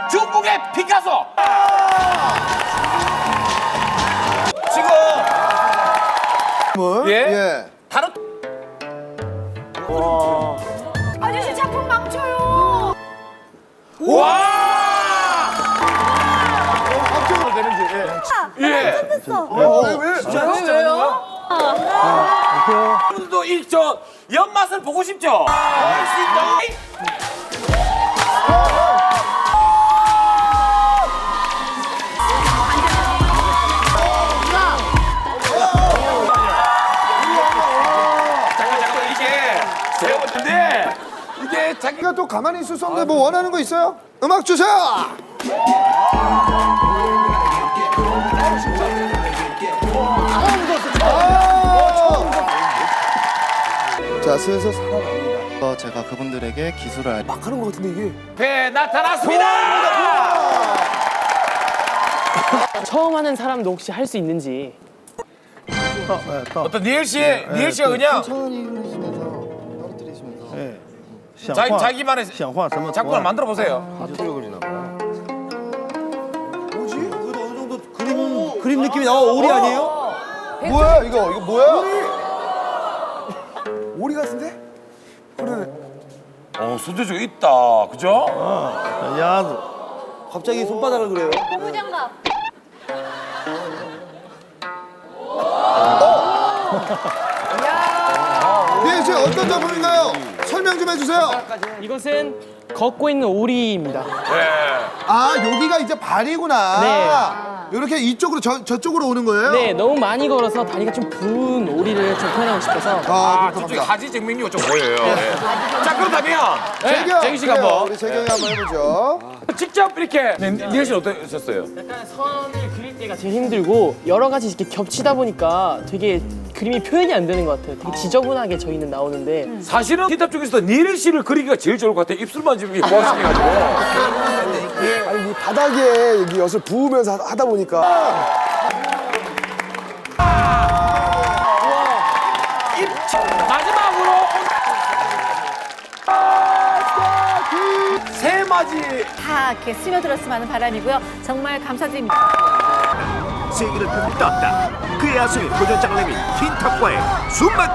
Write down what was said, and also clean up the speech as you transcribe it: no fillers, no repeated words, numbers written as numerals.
중국의 피카소. 지금 예. 다른 아저씨 작품 망쳐요. 와! 합격을 되는지. 예. 됐어. 왜? 진짜요? 여러분들도 이 저 연맛을 보고 싶죠? 할수 있다. 잠깐 이게 제가 봤는데 이게 자기가 또 가만히 있을 수 없는데 뭐 원하는 거 있어요? 음악 주세요. 자, 슬슬 살아납니다. 제가 그분들에게 기술을 막 하는 거 같은데 이게. 배 나타났습니다. 처음 하는 사람도 혹시 할 수 있는지. 어떤 니엘 씨가 그냥 천천히 흘리시면서 떨어뜨리시면서 자기만의 작품을 만들어 보세요. 뭐지? 어느 정도 그림 느낌이 나와. 오리 아니에요? 뭐야 이거 뭐야? 오리 같은데? 그래. 손재주가 있다, 그죠? 갑자기 손바닥을 그래요. 부장갑. 네, 이제 어떤 작품인가요? 설명 좀 해주세요. 이것은 걷고 있는 오리입니다. 아, 여기가 이제 발이구나. 네. 이렇게 이쪽으로 저쪽으로 오는 거예요? 네, 너무 많이 걸어서 다리가 좀 부은 오리를 좀 표현하고 싶어서. 저쪽에 가지 증명료가 좀 보여요. 예. 자, 그렇다면 재경, 재규 씨가 그래요. 한번 우리 재경이 한번 해보죠. 직접 이렇게 니엘 씨는 어떠셨어요? 약간 선을 그릴 때가 제일 힘들고 여러 가지 이렇게 겹치다 보니까 되게 그림이 표현이 안 되는 것 같아요. 되게 지저분하게 저희는 나오는데. 사실은 히탑 중에서 니엘 씨를 그리기가 제일 좋을 것 같아요. 입술만 지금 이렇게 모아시켜가지고. 아니, 이 바닥에 여기 엿을 부으면서 하다 보니까. 마지막으로 세 마지. 다 이렇게 스며들었으면 하는 바람이고요. 정말 감사드립니다. 세계를 펴고 떴다. 그의 야성이 도전장을 내민 틴탑과의 숨막힌